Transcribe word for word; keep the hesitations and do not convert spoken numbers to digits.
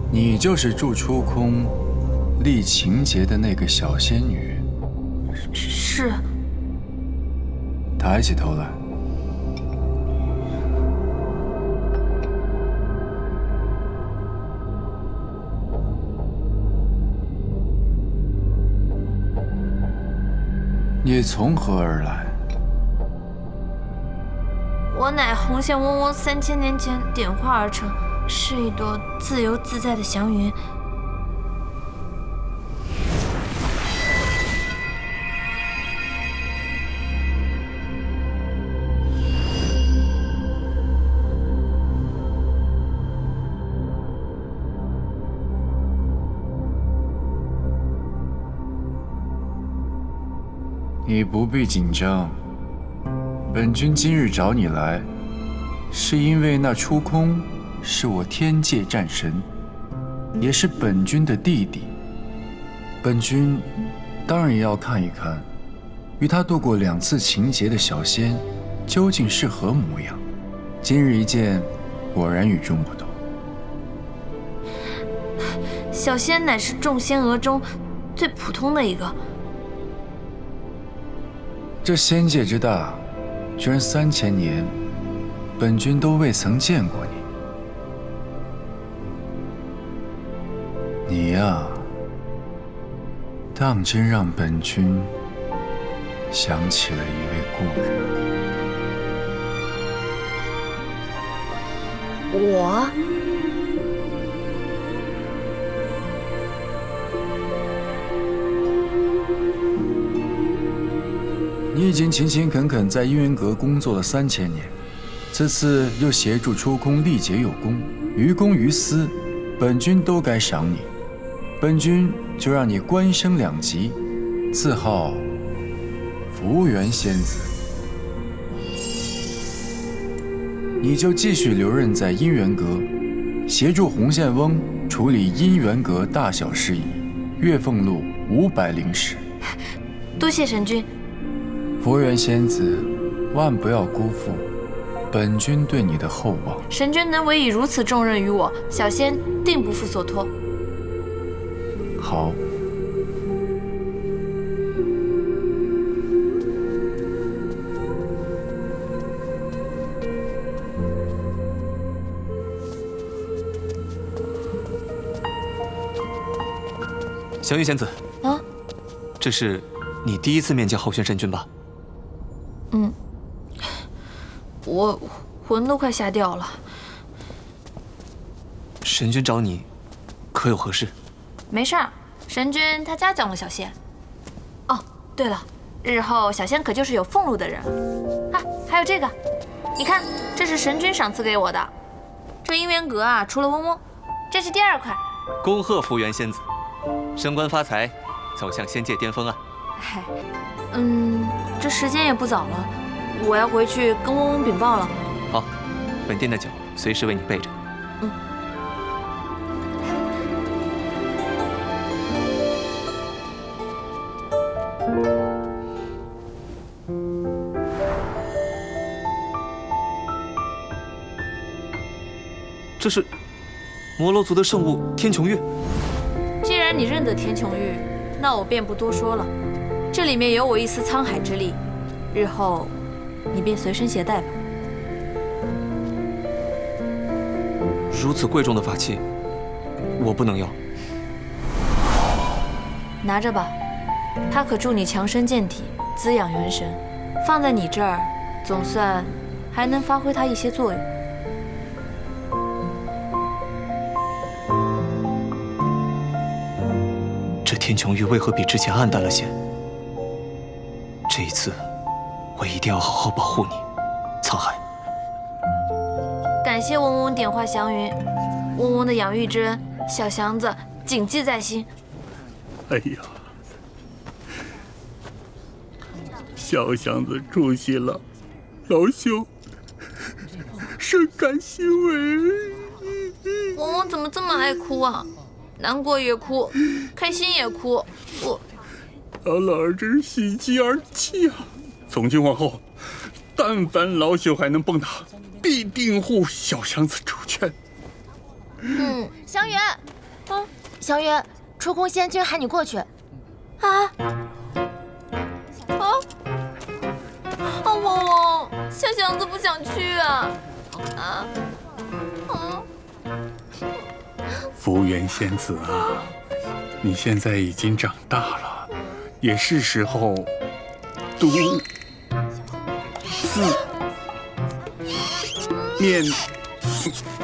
你就是助出空、立情节的那个小仙女。 是。 抬起头来。你从何而来？ 我乃红线嗡嗡三千年前点化而成，是一朵自由自在的祥云。 你不必紧张。本君今日找你来，是因为那出空是我天界战神，也是本君的弟弟。本君当然要看一看，与他度过两次情劫的小仙究竟是何模样。今日一见，果然与众不同。 小仙乃是众仙娥中最普通的一个。 这仙界之大，居然三千年，本君都未曾见过你。你呀，当真让本君想起了一位故人。 我？ 你已经勤勤恳恳在姻缘阁工作了三千年，此次又协助出空历劫有功，于公于私，本君都该赏你。本君就让你官升两级，自号福缘仙子。你就继续留任在姻缘阁，协助红线翁处理姻缘阁大小事宜，月俸禄五百灵石。 多谢神君。 佛缘仙子，万不要辜负本君对你的厚望。 神君能委以如此重任于我，小仙定不负所托。 好。 祥云仙子， 啊， 这是你第一次面见浩轩神君吧？ 嗯，我魂都快吓掉了。 神君找你，可有何事？ 没事儿，神君他嘉奖了小仙。哦，对了，日后小仙可就是有俸禄的人啊。还有这个，你看，这是神君赏赐给我的。这姻缘阁啊，除了嗡嗡，这是第二块。 恭贺福缘仙子，升官发财，走向仙界巅峰啊！ 嗨，嗯，这时间也不早了，我要回去跟嗡嗡禀报了。 好，本店的酒随时为你备着。 嗯。 这是摩罗族的圣物天穹玉。 既然你认得天穹玉，那我便不多说了。这里面有我一丝沧海之力，日后你便随身携带吧。 如此贵重的法器，我不能要。 拿着吧，它可助你强身健体，滋养元神。放在你这儿，总算还能发挥它一些作用。 这天穹玉为何比之前暗淡了些？这一次，我一定要好好保护你，沧海。 感谢嗡嗡点化祥云，嗡嗡的养育之恩，小祥子谨记在心。 哎呀，小祥子出息了，老兄深感欣慰。 嗡嗡怎么这么爱哭啊？难过也哭，开心也哭。我， 老老儿真是喜极而泣啊！从今往后，但凡老朽还能蹦跶，必定护小祥子周全。 嗯， 祥云， 啊， 祥云，出空仙君喊你过去。 啊啊！啊，我我小祥子不想去啊！啊啊！ 福元仙子啊，你现在已经长大了，也是时候读字念